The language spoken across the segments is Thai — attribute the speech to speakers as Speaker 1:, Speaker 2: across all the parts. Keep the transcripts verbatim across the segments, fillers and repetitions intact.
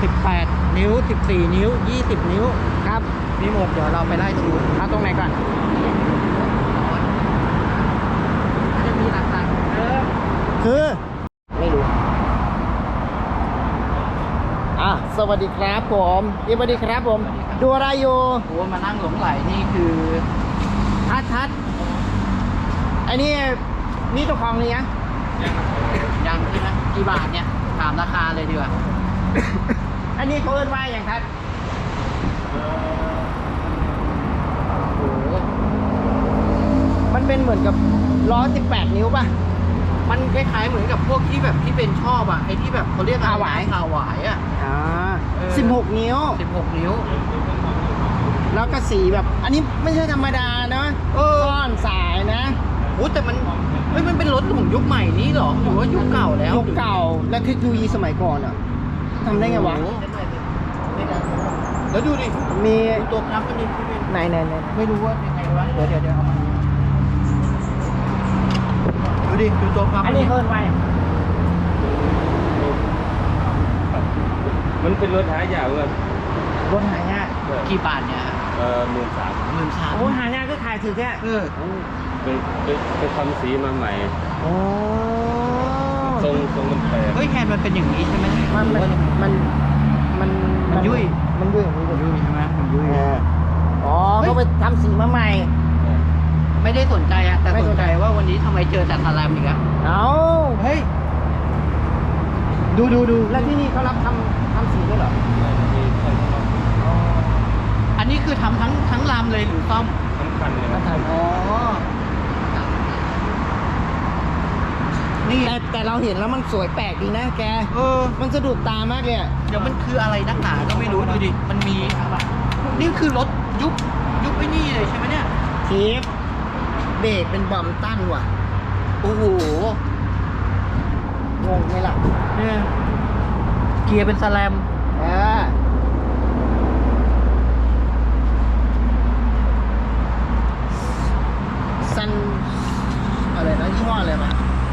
Speaker 1: สิบแปดนิ้วสิบสี่นิ้วยี่สิบนิ้วครับมีหมดเดี๋ยวเราไปไล่ดูเอาตรงไหนก่อนจะมีหลักฐานเออคือไม่รู้อ่ะสวัสดีครับผมสวัสดีครับผมดูอะไรอยู่โอ้มานั่งหลงไหลนี่คือทัดทัดไอ้นี่มีตัวของนี่ยังยังใช่ไหมกี่บาทเนี่ยถามราคาเลยดีกว่า อันนี้เขาเอิ้นว่าอย่างทัดโอ้โหมันเป็นเหมือนกับล้อสิบแปดนิ้วป่ะมันคล้ายๆเหมือนกับพวกที่แบบที่เป็นชอบอ่ะไอ้ที่แบบเขาเรียกอะไรคาหวายคาหวายอ่ะอ่าสิบหกนิ้วสิบหกนิ้วแล้วก็สีแบบอันนี้ไม่ใช่ธรรมดานะซ่อนสายนะโอ้แต่มันไม่มันเป็นรถของยุคใหม่นี้หรอหรือว่ายุคเก่าแล้วยุคเก่าและเทคโนโลยีสมัยก่อนอ่ะทำได้ไงวะแล้วดูดิมีตัวนับมันมีไหนไหนไหนไม่รู้ว่ายังไงวะเดี๋ยวเดี๋ยวเดี๋ยวเอามาดูดิดูตัวนับอันนี้เพิ่มไป
Speaker 2: มันเป็นรถหายากเลย
Speaker 1: รถหายากกี่บาทเนี่ย
Speaker 2: เออหมื่นสาม
Speaker 1: หมื่นสามโอ้หายากก็ขายถือแค่เออ
Speaker 2: เป็นเป็นทำสีมาใหม่
Speaker 1: โอ้
Speaker 2: ทรงทรงมันแปลก
Speaker 1: เฮ้ยแฮนด์มันเป็นอย่างนี้ใช่ไหมมันมันมันมันมันยุ่ยมันยุ่ยมันยุ่ยใช่ไหมมันยุ่ยอ๋อเขาไปทำสีมาใหม่ไม่ได้สนใจอะแต่สนใจว่าวันนี้ทำไมเจอแต่ทารามิกอะเอาเฮ้ยดูดูดูแล้วที่นี่เขารับทำทำสีด้วยเหรออันนี้คือทำทั้งทั้งลำเลยหรือซ่อม
Speaker 2: ทั้งคันเลย
Speaker 1: ทั้งคันอ๋อนี่แต่แต่เราเห็นแล้วมันสวยแปลกดีนะแกเออมันสะดุดตามากเลยเดี๋ยวมันคืออะไรนักหนาก็ไม่รู้ดูดิมันมีอะไรนี่คือรถยุคยุคไอ้นี่เลยใช่ไหมเนี่ยเทปเบรกเป็นบัมตันว่ะโอ้โหงงไหมล่ะเนี่ยเกียร์เป็นสแลมอ่าซันอะไรนะยี่ห้ออะไรมา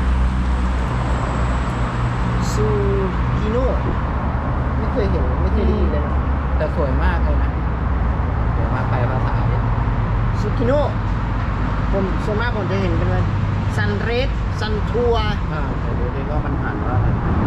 Speaker 1: ซูกิโน่ไม่เคยเห็นไม่เคยได้ยินเลยนะแต่สวยมากเลยนะเดี๋ยวมาไปภาษาเนี่ยซูกิโน่ผมส่วนมากผมจะเห็นเป็นว่าซันเรสซันทัวร์อ่าเดี๋ยวดูว่ามันผ่านว่า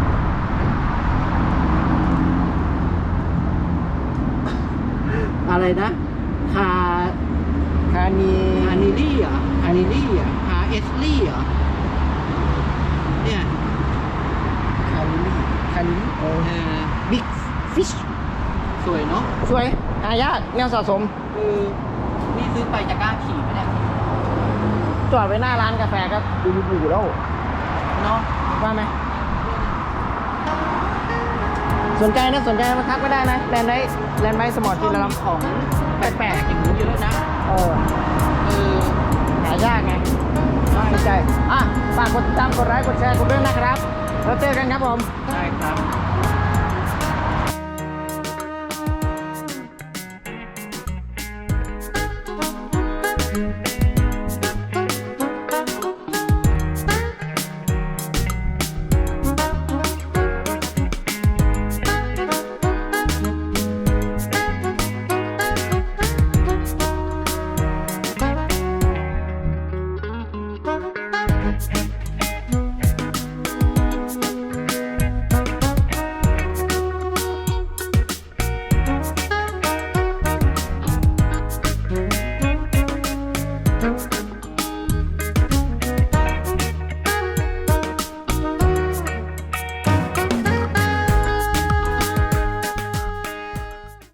Speaker 1: อะไรนะคาคานีคานิลี่เหรอคานิลี่เหรอคาเอสลี่เหรอเนี่ยคานิลี่คานิลี่เออบิ๊กฟิชสวยเนาะสวยหายากแนวสะสมคือนี่ซื้อไปจะกล้าขี่ไหมเนี่ยจอดไว้หน้าร้านกาแฟก็ดูดูแล้วเนาะว่าไหมสนใจนะสนใจมาทักก็ได้นะแลนด์ไว้แลนด์ไว้สมอร์ทที่เราทำของแปลกๆอย่างนี้เยอะนะเออเออหายากไงสนใจอ่ะฝากกดติดตามกดไลค์กดแชร์กดด้วยนะครับแล้วเจอกันครับผมได้ครับ